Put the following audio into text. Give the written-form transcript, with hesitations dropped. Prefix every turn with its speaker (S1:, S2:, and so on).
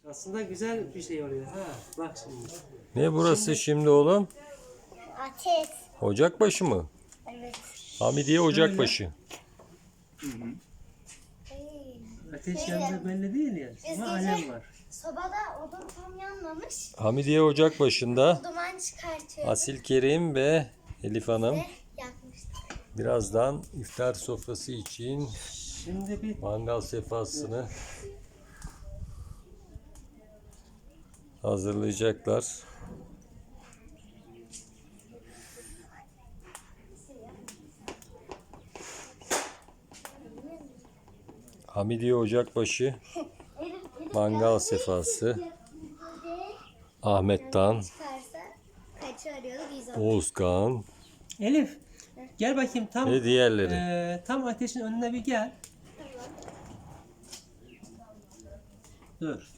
S1: Aslında güzel bir şey oluyor. Ha, bak şimdi.
S2: Ne burası şimdi oğlum?
S3: Ateş.
S2: Ocakbaşı mı?
S3: Evet.
S2: Hamidiye Ocakbaşı.
S1: Ateş yanında belli değil ya. Ama alev var.
S3: Sobada odun tam yanmamış.
S2: Hamidiye Ocakbaşı'nda
S3: Duman çıkartıyor.
S2: Asil Kerim ve Elif Hanım
S3: Yakmıştı.
S2: birazdan iftar sofrası için
S1: Şimdi bir
S2: mangal sefasını hazırlayacaklar. Hamidiye Ocakbaşı mangal sefası. Ahmet Dan,
S3: Çıkarsa kaçı arıyordu? 110.
S2: Oğuzkan
S1: Elif gel bakayım tam
S2: ve diğerleri.
S1: tam ateşin önüne bir gel. Dur.